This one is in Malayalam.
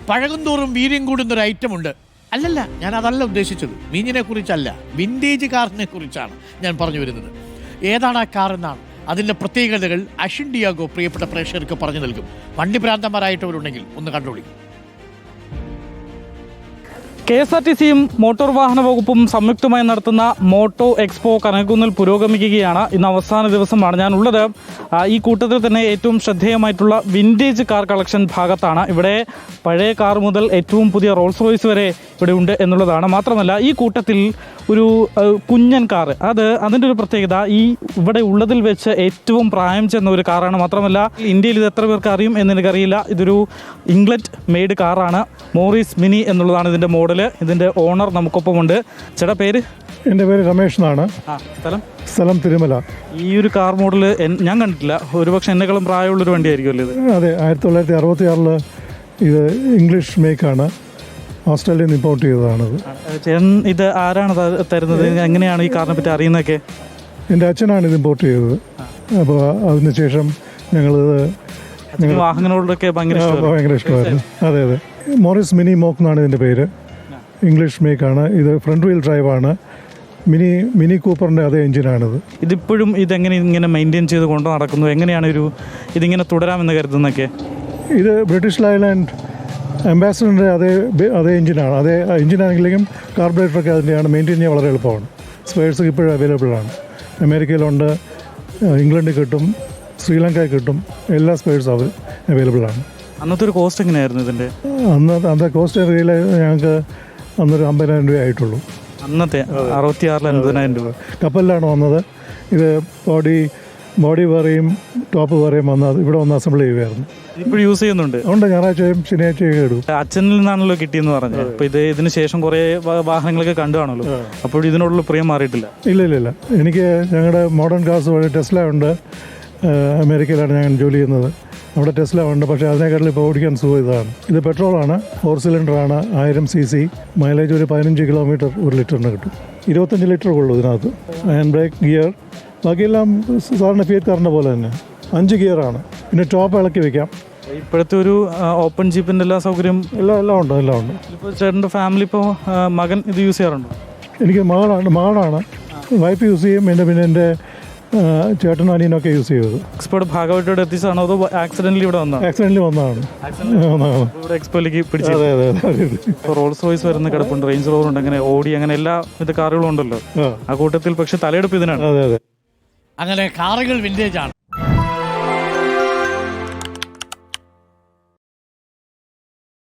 പഴകുന്തോറും വീര്യം കൂടുന്നൊരു ഐറ്റമുണ്ട്. അല്ലല്ല, ഞാൻ അതല്ല ഉദ്ദേശിച്ചത്. വീഞ്ഞിനെ കുറിച്ചല്ല, വിൻറ്റേജ് കാറിനെ കുറിച്ചാണ് ഞാൻ പറഞ്ഞു വരുന്നത്. ഏതാണ് ആ കാർ എന്നാണ്. അതിൻ്റെ പ്രത്യേകതകൾ അഷിൻ ഡിയാഗോ പ്രിയപ്പെട്ട പ്രേക്ഷകർക്ക് പറഞ്ഞു നൽകും. വണ്ടി ഭ്രാന്തന്മാരായിട്ടവരുണ്ടെങ്കിൽ ഒന്ന് കണ്ടോളി. KSRTCയും മോട്ടോർ വാഹന വകുപ്പും സംയുക്തമായി നടത്തുന്ന മോട്ടോ എക്സ്പോ കനകുന്നിൽ പുരോഗമിക്കുകയാണ്. ഇന്ന് അവസാന ദിവസമാണ് ഞാനുള്ളത്. ഈ കൂട്ടത്തിൽ തന്നെ ഏറ്റവും ശ്രദ്ധേയമായിട്ടുള്ള വിൻറ്റേജ് കാർ കളക്ഷൻ ഭാഗത്താണ്. ഇവിടെ പഴയ കാർ മുതൽ ഏറ്റവും പുതിയ റോൾസ് റോയ്സ് വരെ ഇവിടെ ഉണ്ട് എന്നുള്ളതാണ്. മാത്രമല്ല ഈ കൂട്ടത്തിൽ ഒരു കുഞ്ഞൻ കാർ, അതിൻ്റെ ഒരു പ്രത്യേകത ഇവിടെ ഉള്ളതിൽ വെച്ച് ഏറ്റവും പ്രായം ചെന്ന ഒരു കാറാണ്. മാത്രമല്ല ഇന്ത്യയിൽ ഇത് എത്ര പേർക്ക് അറിയും എന്ന് എനിക്കറിയില്ല. ഇതൊരു ഇംഗ്ലണ്ട് മെയ്ഡ് കാറാണ്. മോറിസ് മിനി എന്നുള്ളതാണ് ഇതിൻ്റെ മോഡൽ. ഇതിൻ്റെ ഓണർ നമുക്കൊപ്പമുണ്ട്. ചേട്ടാ, പേര്? എൻ്റെ പേര് രമേഷ് എന്നാണ്. സ്ഥലം തിരുമല. ഈ ഒരു കാർ മോഡൽ ഞാൻ കണ്ടിട്ടില്ല. ഒരുപക്ഷെ എന്നെക്കാളും പ്രായമുള്ളൊരു വണ്ടിയായിരിക്കുമല്ലോ ഇത്? അതെ, 1966 ഇത് ഇംഗ്ലീഷ് മേക്കാണ്. ഓസ്ട്രേലിയയിൽ നിന്ന് ഇമ്പോർട്ട് ചെയ്തതാണത്. ചേട്ടൻ ഇത് ആരാണ് തരുന്നത്? എങ്ങനെയാണ് ഈ കാറിനെ പറ്റി അറിയുന്നതൊക്കെ? എൻ്റെ അച്ഛനാണ് ഇത് ഇമ്പോർട്ട് ചെയ്തത്. അപ്പോൾ അതിനുശേഷം ഞങ്ങളിത് വാഹനങ്ങളോടൊക്കെ ഭയങ്കര ഇഷ്ടമായിരുന്നു. അതെ അതെ, മോറിസ് മിനി മോക്ക് എന്നാണ് ഇതിൻ്റെ പേര്. ഇംഗ്ലീഷ് മേക്കാണ്. ഇത് ഫ്രണ്ട് വീൽ ഡ്രൈവാണ്. മിനി കൂപ്പറിൻ്റെ അതേ എഞ്ചിനാണിത്. ഇതിപ്പോഴും ഇതെങ്ങനെ ഇങ്ങനെ മെയിൻറ്റെയിൻ ചെയ്ത് കൊണ്ടു നടക്കുന്നു? എങ്ങനെയാണ് ഇതിങ്ങനെ തുടരാമെന്ന് കരുതുന്നതൊക്കെ? ഇത് ബ്രിട്ടീഷ് ലൈലാൻഡ് അംബാസഡറിൻ്റെ അതേ എഞ്ചിനാണ്. അതേ എഞ്ചിനാണെങ്കിലും കാർബറേറ്ററൊക്കെ അതിൻ്റെയാണ്. മെയിൻറ്റെയിൻ ചെയ്യാൻ വളരെ എളുപ്പമാണ്. സ്പെയർസ് ഇപ്പോഴും അവൈലബിൾ ആണ്. അമേരിക്കയിലുണ്ട്, ഇംഗ്ലണ്ടിൽ കിട്ടും, ശ്രീലങ്കയിൽ കിട്ടും. എല്ലാ സ്പെയർസും അവൈലബിൾ ആണ്. അന്നത്തെ ഒരു കോസ്റ്റ് എങ്ങനെയായിരുന്നു ഇതിൻ്റെ? അന്നത്തെ കോസ്റ്റ് ഏരിയയിൽ ഞങ്ങൾക്ക് അന്നൊരു 50,000 രൂപ ആയിട്ടുള്ളൂ. അന്നത്തെ 66 50,000 രൂപ. കപ്പലിലാണ് വന്നത്. ഇത് ബോഡി വേറെയും ടോപ്പ് വേറെയും വന്നത് ഇവിടെ വന്ന് അസംബിൾ ചെയ്യുകയായിരുന്നു. ഇപ്പോൾ യൂസ് ചെയ്യുന്നുണ്ട്? ഉണ്ട്, ഞായറാഴ്ചയും ശനിയാഴ്ചയും ഇടും. അച്ഛനിൽ നിന്നാണല്ലോ കിട്ടിയെന്ന് പറഞ്ഞത്. അപ്പോൾ ഇതിന് ശേഷം കുറേ വാഹനങ്ങളൊക്കെ കണ്ടുകാണല്ലോ. അപ്പോൾ ഇതിനോടുള്ള പ്രിയം മാറിയിട്ടില്ല? ഇല്ല. എനിക്ക് ഞങ്ങളുടെ മോഡേൺ കാർസ് വഴി ടെസ്ല ഉണ്ട്. അമേരിക്കയിലാണ് ഞാൻ ജോലി ചെയ്യുന്നത്. അവിടെ ടെസ്ല ഉണ്ട്. പക്ഷേ അതിനേക്കാട്ടിൽ ഇപ്പോൾ ഓടിക്കാൻ സുഖം ഇതാണ്. ഇത് പെട്രോളാണ്, 4 സിലിണ്ടറാണ്, 1000 cc. മൈലേജ് ഒരു 15 കിലോമീറ്റർ ഒരു ലിറ്ററിന് കിട്ടും. 25 ലിറ്റർ കൊള്ളു ഇതിനകത്ത്. ഹാൻഡ് ബ്രേക്ക്, ഗിയർ, ബാക്കിയെല്ലാം സാധാരണ ഫിയറ്റ് കാറിൻ്റെ പോലെ തന്നെ 5 ഗിയറാണ്. പിന്നെ ടോപ്പ് ഇളക്കി വെക്കാം. ഇപ്പോഴത്തെ ഒരു ഓപ്പൺ ജീപ്പിൻ്റെ എല്ലാ സൗകര്യം എല്ലാം ഉണ്ട്. ഇപ്പോൾ ചേട്ടൻ്റെ ഫാമിലി ഇപ്പോൾ മകൻ ഇത് യൂസ് ചെയ്യാറുണ്ടോ? എനിക്ക് മകളാണ്. വൈഫ് യൂസ് ചെയ്യും. പിന്നെ എൻ്റെ ചേട്ടനും അനിയനൊക്കെ യൂസ് ചെയ്തത്. എക്സ്പോയുടെ ഭാഗമായിട്ട് എത്തിച്ചതാണോ അതോ ആക്സിഡൻ്റലി ഇവിടെ വന്നതാണ്? ആക്സിഡൻ്റലി വന്നതാണ്. ഇവിടെ എക്സ്പോയിലേക്ക് പിടിച്ചത്. ഇപ്പോൾ റോൾസ് റോയ്സ് വരുന്ന കിടപ്പുണ്ട്, റേഞ്ച് റോവർ ഉണ്ട്, അങ്ങനെ ഓടി, അങ്ങനെ എല്ലാ കാറുകളും ഉണ്ടല്ലോ ആ കൂട്ടത്തിൽ. പക്ഷെ തലയെടുപ്പ് ഇതിനാണ്. അങ്ങനെ കാറുകൾ വിൻറ്റേജ് ആണ്.